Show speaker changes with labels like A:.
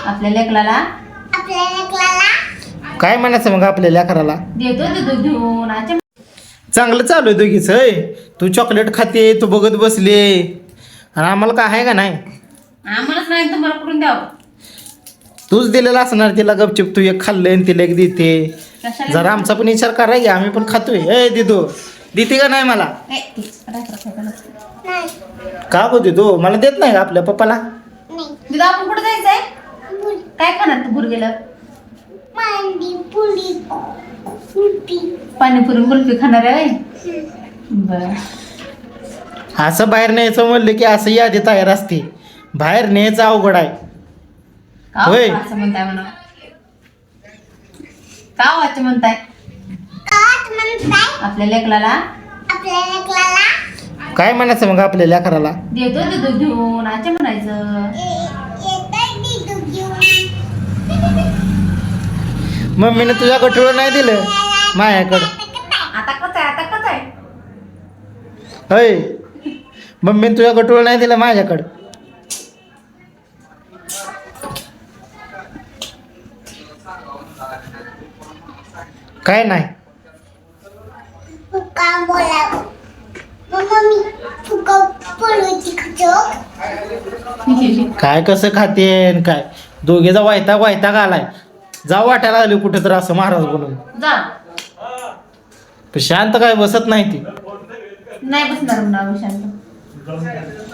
A: आपल्या लेकराला
B: काय म्हणायचं मग आपल्या लेकराला?
A: देतो घेऊन आजच्या
B: चांगलं चालू आहे दोघीच. होय, तू चॉकलेट खाते, तू बघत बसले, आणि आम्हाला काय आहे का नाही?
A: आम्हालाच नाही तुम्हाला कुठून द्यावं.
B: तूच दिलेला असणार तिला गपचिप. तू एक खाल्लंय आणि तिला एक देते.
A: कशाला
B: जरा आमचा पण विचार करा की आम्ही पण खातोय. ए दिदो, देते का नाही मला? का गो दिदो, मला देत नाही का आपल्या पप्पाला?
A: दिदा आपण कुठे जायचंय? काय खाणार तू गुरगेला? पाणीपुरी कुल्फी खाणार आहे? बर.
B: असं बाहेर न्यायचं म्हणलं की असं यादी तयार असते. बाहेर न्यायचं अवघड आहे. होय.
A: असं म्हणताय म्हणा. का वाच म्हणताय? आपल्या लेकराला
B: काय म्हणायचं मग आपल्या लेकराला?
A: देतो घेऊन आजच्या म्हणायचं.
B: मम्मीने तुझ्या गठुळं नाही दिलं माझ्याकडं.
A: आता कसं आहे?
B: होय, मम्मीने तुझ्या गठुळं नाही दिलं माझ्याकडं. काय नाही. काय कसं खाते काय? दोघेचा वैताग आलाय. जाऊ वाटायला लागले कुठं तर असं महाराज बोलून.
A: जा.
B: पण शांत काय बसत नाही ती.
A: नाही बसणार शांत.